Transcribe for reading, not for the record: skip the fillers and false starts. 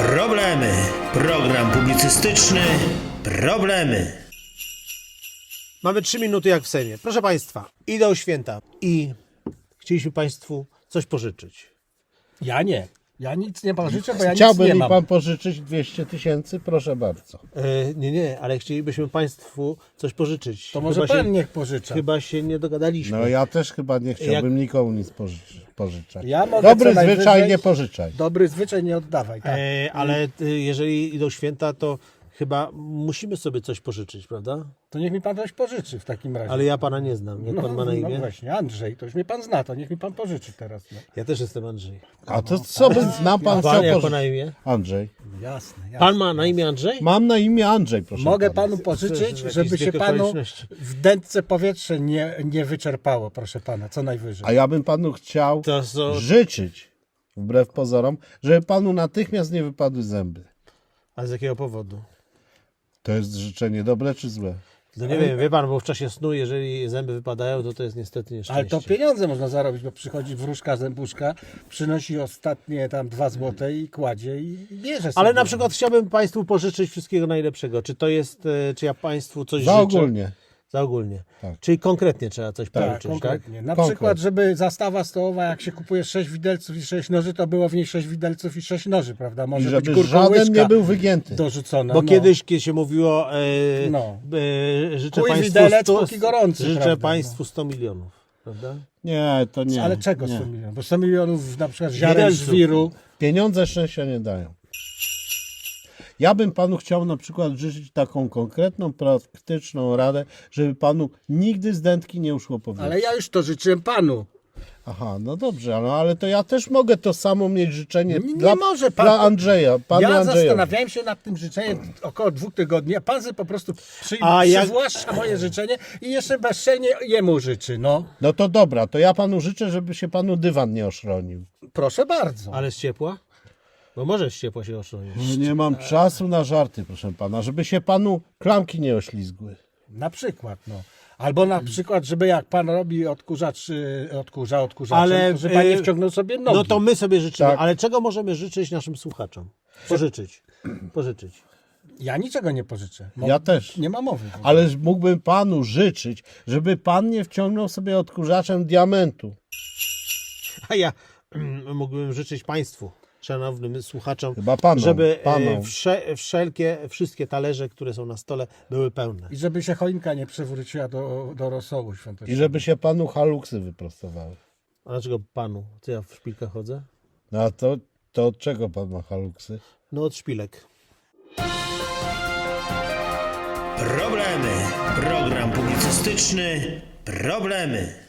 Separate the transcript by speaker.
Speaker 1: Problemy. Program publicystyczny. Problemy.
Speaker 2: Mamy 3 minuty jak w Sejmie. Proszę Państwa, idą święta i chcieliśmy Państwu coś pożyczyć.
Speaker 3: Ja nie. Ja nic nie pożyczę, bo ja
Speaker 4: Chciałby
Speaker 3: nic nie
Speaker 4: mi
Speaker 3: mam.
Speaker 4: pan pożyczyć 200 000? Proszę bardzo.
Speaker 2: Nie, ale chcielibyśmy Państwu coś pożyczyć.
Speaker 3: To może pan niech pożycza.
Speaker 2: Chyba się nie dogadaliśmy.
Speaker 4: No ja też chyba nie chciałbym nikomu nic pożyczać.
Speaker 3: Ja mogę
Speaker 4: Dobry
Speaker 3: co najwyżej-
Speaker 4: zwyczaj nie pożyczaj.
Speaker 3: Dobry zwyczaj nie oddawaj. Tak.
Speaker 2: Ale jeżeli idą święta, to chyba musimy sobie coś pożyczyć, prawda?
Speaker 3: To niech mi pan coś pożyczy w takim razie.
Speaker 2: Ale ja Pana nie znam. Jak Pan ma na imię?
Speaker 3: No właśnie, Andrzej, to już mnie pan zna, to niech mi pan pożyczy teraz. No.
Speaker 2: Ja też jestem Andrzej.
Speaker 4: A to co by nam pan
Speaker 2: Pan,
Speaker 4: chciał
Speaker 2: jak Pana
Speaker 4: pożyczyć?
Speaker 2: na imię?
Speaker 4: Andrzej.
Speaker 3: Jasne.
Speaker 2: Pan ma na imię Andrzej?
Speaker 4: Mam na imię Andrzej, proszę
Speaker 3: Mogę
Speaker 4: pana.
Speaker 3: panu pożyczyć,
Speaker 2: Jakieś
Speaker 3: żeby się
Speaker 2: zbieg
Speaker 3: panu
Speaker 2: okoliczności.
Speaker 3: w dętce powietrze nie wyczerpało, proszę pana, co najwyżej.
Speaker 4: A ja bym panu chciał
Speaker 2: To są...
Speaker 4: życzyć, wbrew pozorom, żeby panu natychmiast nie wypadły zęby.
Speaker 2: A z jakiego powodu?
Speaker 4: To jest życzenie dobre czy złe?
Speaker 2: No nie wiem, wie Pan, bo w czasie snu, jeżeli zęby wypadają, to jest niestety nieszczęście.
Speaker 3: Ale to pieniądze można zarobić, bo przychodzi wróżka zębuszka, przynosi ostatnie tam 2 złote i kładzie i bierze sobie.
Speaker 2: Ale na przykład chciałbym Państwu pożyczyć wszystkiego najlepszego. Czy to jest, czy ja Państwu coś
Speaker 4: Za
Speaker 2: życzę?
Speaker 4: ogólnie.
Speaker 2: Za ogólnie.
Speaker 4: Tak.
Speaker 2: Czyli konkretnie trzeba coś
Speaker 3: Tak,
Speaker 2: pożyczyć, tak?
Speaker 3: konkretnie. Na
Speaker 4: Konkret.
Speaker 3: przykład, żeby zastawa stołowa, jak się kupuje 6 widelców i 6 noży, to było w niej 6 widelców i 6 noży, prawda?
Speaker 4: I
Speaker 3: Może być
Speaker 4: żeby
Speaker 3: kurką
Speaker 4: żaden
Speaker 3: łyżka
Speaker 4: nie był wygięty.
Speaker 3: dorzucona.
Speaker 2: Bo
Speaker 3: no.
Speaker 2: kiedyś, kiedy się mówiło,
Speaker 3: No.
Speaker 2: życzę
Speaker 3: Kuj
Speaker 2: Państwu
Speaker 3: widelec, póki gorący,
Speaker 2: życzę
Speaker 3: prawda,
Speaker 2: Państwu 100 milionów, prawda?
Speaker 4: Nie, to nie.
Speaker 3: Ale czego
Speaker 4: nie.
Speaker 3: 100 milionów? Bo 100 milionów na przykład ziaren
Speaker 2: Widelców.
Speaker 3: żwiru.
Speaker 4: Pieniądze szczęścia nie dają. Ja bym panu chciał na przykład życzyć taką konkretną, praktyczną radę, żeby panu nigdy z dętki nie uszło powietrze.
Speaker 3: Ale ja już to życzyłem panu.
Speaker 4: Aha, no dobrze, ale to ja też mogę to samo mieć życzenie
Speaker 3: Nie może pan-
Speaker 4: dla Andrzeja, panu
Speaker 3: Ja
Speaker 4: Andrzejowi.
Speaker 3: zastanawiałem się nad tym życzeniem około 2 tygodni, a pan sobie po prostu
Speaker 2: A jak-
Speaker 3: przywłaszcza moje życzenie i jeszcze bezczelnie jemu życzy, no.
Speaker 4: No to dobra, to ja panu życzę, żeby się panu dywan nie oszronił.
Speaker 3: Proszę bardzo.
Speaker 2: Ale z ciepła? Bo może z ciepła się oszczędzić.
Speaker 4: Nie mam czasu na żarty, proszę pana, żeby się panu klamki nie oślizgły.
Speaker 3: Na przykład, no. Albo na przykład, żeby jak pan robi odkurzaczem,
Speaker 2: Ale,
Speaker 3: to żeby pan nie wciągnął sobie nogi.
Speaker 2: No to my sobie życzymy,
Speaker 4: Tak.
Speaker 2: ale czego możemy życzyć naszym słuchaczom? Pożyczyć.
Speaker 3: Ja niczego nie pożyczę.
Speaker 4: Ja też.
Speaker 3: Nie ma mowy.
Speaker 4: Ale mógłbym panu życzyć, żeby pan nie wciągnął sobie odkurzaczem diamentu.
Speaker 2: A ja mógłbym życzyć Państwu, szanownym słuchaczom,
Speaker 4: Chyba panom,
Speaker 2: żeby
Speaker 4: panom.
Speaker 2: wszystkie talerze, które są na stole, były pełne.
Speaker 3: I żeby się choinka nie przewróciła do rosołu
Speaker 4: I
Speaker 3: świątecznego.
Speaker 4: żeby się panu haluksy wyprostowały.
Speaker 2: A dlaczego Panu? Co ja w szpilkach chodzę?
Speaker 4: No a to od czego pan ma haluksy?
Speaker 2: No od szpilek.
Speaker 1: Problemy. Program publicystyczny. Problemy.